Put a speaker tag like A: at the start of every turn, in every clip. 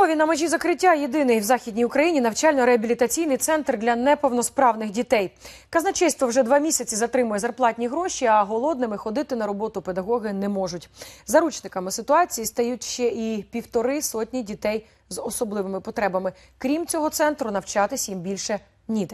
A: Львові на межі закриття єдиний в Західній Україні навчально-реабілітаційний центр для неповносправних дітей. Казначейство вже 2 місяці затримує зарплатні гроші, а голодними ходити на роботу педагоги не можуть. Заручниками ситуації стають ще і 1,5 сотні дітей з особливими потребами. Крім цього центру, навчатись їм більше ніде.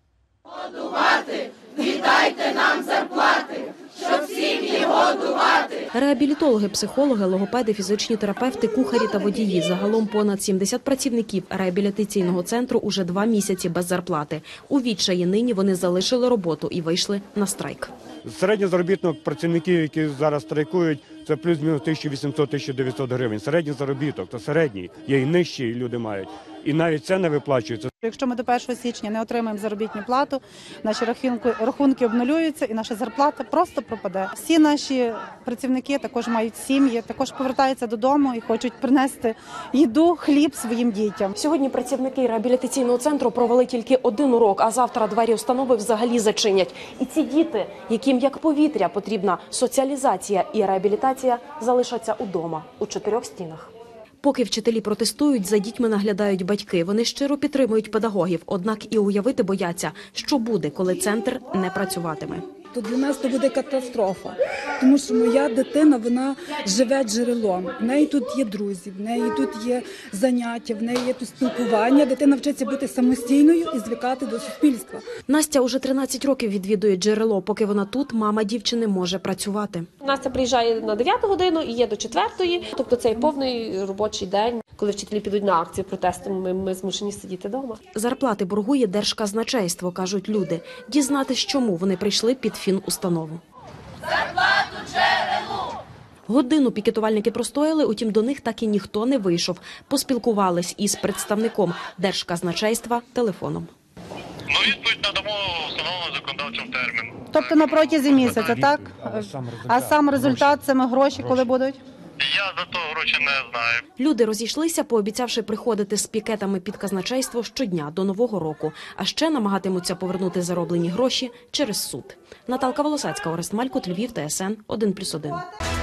B: Годувати! Віддайте нам зарплати! Щоб сім'ї годувати!
C: Реабілітологи, психологи, логопеди, фізичні терапевти, кухарі та водії. Загалом понад 70 працівників реабілітаційного центру уже 2 місяці без зарплати. У відчаї нині вони залишили роботу і вийшли на страйк.
D: Середній заробіток працівників, які зараз страйкують, це плюс-мінус 1800-1900 гривень. Середній заробіток, то середній. Є і нижчі люди мають. І навіть це не виплачується.
E: Якщо ми до 1 січня не отримаємо заробітну плату, наші рахунки обнулюються і наша зарплата просто пропаде. Всі наші працівники також мають сім'ї, також повертаються додому і хочуть принести їду, хліб своїм дітям.
C: Сьогодні працівники реабілітаційного центру провели тільки 1 урок, а завтра двері установи взагалі зачинять. І ці діти, яким як повітря потрібна соціалізація і реабілітація, залишаться удома у 4 стінах. Поки вчителі протестують, за дітьми наглядають батьки. Вони щиро підтримують педагогів, однак і уявити бояться, що буде, коли центр не працюватиме.
F: То для нас це буде катастрофа, тому що моя дитина, вона живе джерелом. В неї тут є друзі, в неї тут є заняття, в неї є тут спілкування. Дитина вчиться бути самостійною і звикати до суспільства.
C: Настя уже 13 років відвідує джерело. Поки вона тут, мама дівчини може працювати.
G: Настя приїжджає на 9 годину і є до 4, тобто це повний робочий день. Коли вчителі підуть на акцію протесту, ми змушені сидіти вдома.
C: Зарплати боргує Держказначейство, кажуть люди. Дізнатись, чому вони прийшли під фінустанову.
B: Зарплату джерелу!
C: Годину пікетувальники простояли, утім до них так і ніхто не вийшов. Поспілкувались із представником Держказначейства телефоном.
H: Відповідь надамо встановленому законодавчим терміном.
E: Тобто на протязі місяця, так? А сам результат, саме гроші, коли будуть?
H: Я за то гроші не знаю.
C: Люди розійшлися, пообіцявши приходити з пікетами під казначейство щодня до Нового року. А ще намагатимуться повернути зароблені гроші через суд. Наталка Волосацька, Орест Малькут, Львів, ТСН 1+1.